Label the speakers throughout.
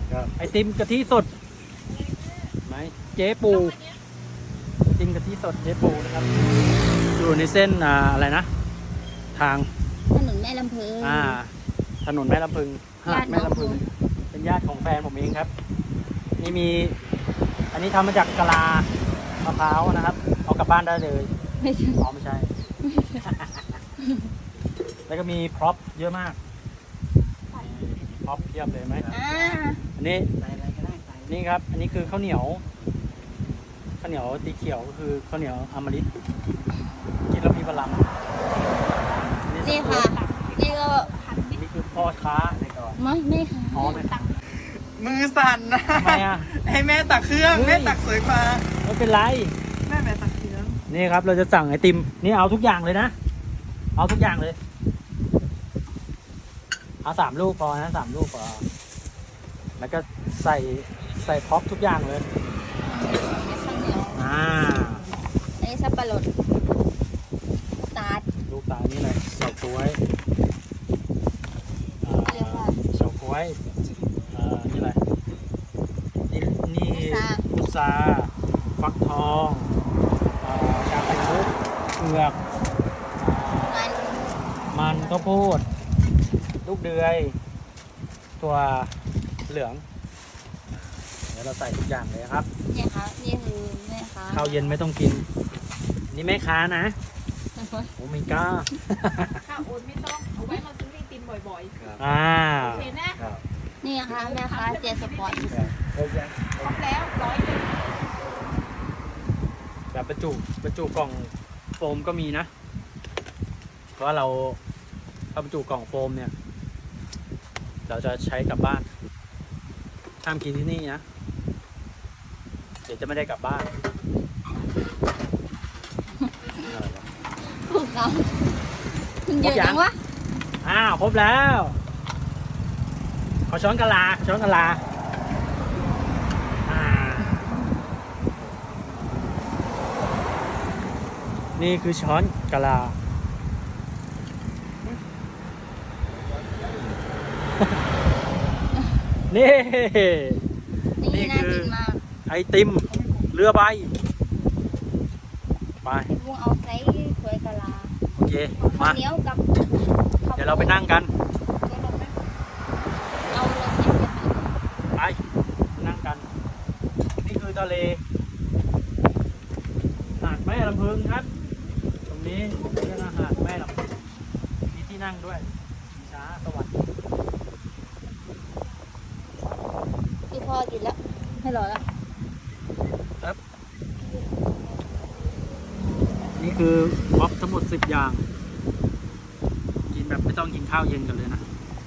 Speaker 1: ไอติมกะทิสดไหมเจ๊ปูไอติมกะทิสดเจ๊ปูนะครับอยู่ในเส้นอะไรนะทาง
Speaker 2: ถนนแม่ลำพึง
Speaker 1: ถนนแม่ลำพึงหาดแม่ลำพึงเป็นญาติของแฟนผมเองครับนี่มีอันนี้ทำมาจากกะลามะพร้าวนะครับเอากลับบ้านได้เลย
Speaker 2: ไม่ใช่
Speaker 1: ไม่ใช่ แล้วก็มีพร็อพเยอะมากพร็อพเทียบเลยไหมอันนี้นี่ครับอันนี้คือข้าวเหนียวสีเขียวก็คือข้าวเหนียวอมฤตกินแล้วมีพลัง
Speaker 2: นี่ค่ะนี่ก็
Speaker 1: นี่คือพ่อค้าในก่อน
Speaker 2: ไม่ค่ะ
Speaker 1: อ๋อไม่ตัก
Speaker 3: มือสั่นนะ
Speaker 1: ทำไม
Speaker 3: ให้แม่ตักเครื่องแม่ตักสวยกว่า
Speaker 1: ไม่เป็นไร
Speaker 3: แม่ตักเครื่อง
Speaker 1: นี่ครับเราจะสั่งไอติมนี่เอาทุกอย่างเลยนะเอาทุกอย่างเลยเอา3 ลูกพอนะ3 ลูกพอแล้วก็ใส่พร็อพทุกอย่างเลย
Speaker 2: นี่สับปะรด
Speaker 1: ลูกตาลนี่เลยเฉาก๊วยเฉาก๊วยนี่อะไรนี่พุทราฟักทองชาไข่มุกเผือกมันข้าวโพดลูกเดือยตัวเหลืองเดี๋ยวเราใส่ทุกอย่างเลยครับ
Speaker 2: นี่ค่ะนี่คือแม่ค้า
Speaker 1: ข้าวเย็นไม่ต้องกินนี่แม่ค้านะโอ้ไม่กล้า
Speaker 4: ข้าวโอ๊ตไม่ต้องเอาไว้มาซื้อไอติมบ่อยๆโอเคนะ
Speaker 2: นี่ค่ะแม่ค้าเจสปอร์ต
Speaker 4: ครบแล้ว100
Speaker 1: แบบบรรจุกล่องโฟมก็มีนะเพราะว่าเราบรรจุกล่องโฟมเนี่ยเราจะใช้กลับบ้านห้ามกินที่นี่นะเดี๋ยวจะไม่ได้กลับบ้าน
Speaker 2: ถูกต้องเยอะจังวะ
Speaker 1: ครบแล้วขอช้อนกะลานี่คือช้อนกะลานี่คือไอติมเรือใบไป
Speaker 2: ลุงเอาใส่ถ้วยกะลา
Speaker 1: โอเคมา
Speaker 2: เนี้ยวกับ
Speaker 1: เดี๋ยวเราไปนั่งกัน
Speaker 2: เอาเลย
Speaker 1: ไปนั่งกันนี่คือทะเลหาดแม่ลำพึงครับตรงนี้เรียกว่าหาดแม่ลำพึงมีที่นั่งด้วยช้าสวัสดิ์
Speaker 2: ที่พ่อกินแล้วให้รอแล้ว
Speaker 1: ครับนี่คือม็อบทั้งหมด10 อย่างกินแบบไม่ต้องกินข้าวเย็นกันเลยนะ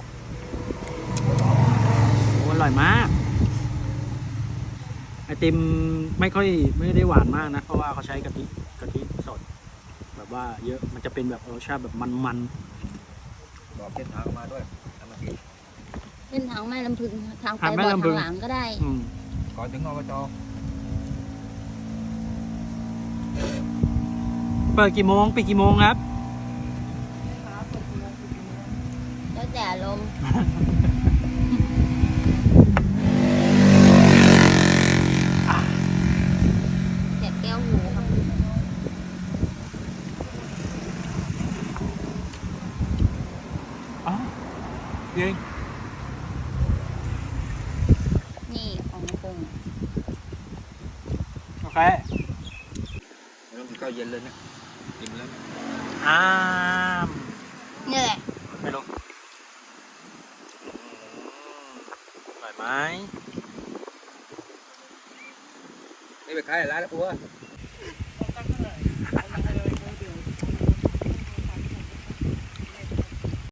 Speaker 1: โอ้อร่อยมากไอติมไม่ได้หวานมากนะเพราะว่าเขาใช้กะทิสดแบบว่าเยอะมันจะเป็นแบบรสชาติแบบมัน
Speaker 3: บอกเส้นทางมาด้วย
Speaker 2: เส้นทางแม่ลำพึงทางไปบ่อทางหลังก็ได้
Speaker 3: ก่อนถึงอบจ.
Speaker 1: เปิดกี่โมงปิดกี่โมงครับ
Speaker 2: แล้วแต่ลมเจ็บแก้วหูครับ
Speaker 1: เย้
Speaker 2: นี่ของปรุง
Speaker 1: โอเค
Speaker 3: ไม่ต้องกินข้าวเย็นเลยนะกินแล้ว
Speaker 2: นี่แหละ
Speaker 1: ไม่รู้อร่อยไหม
Speaker 3: นี่ไปขายร้านแล้วปัว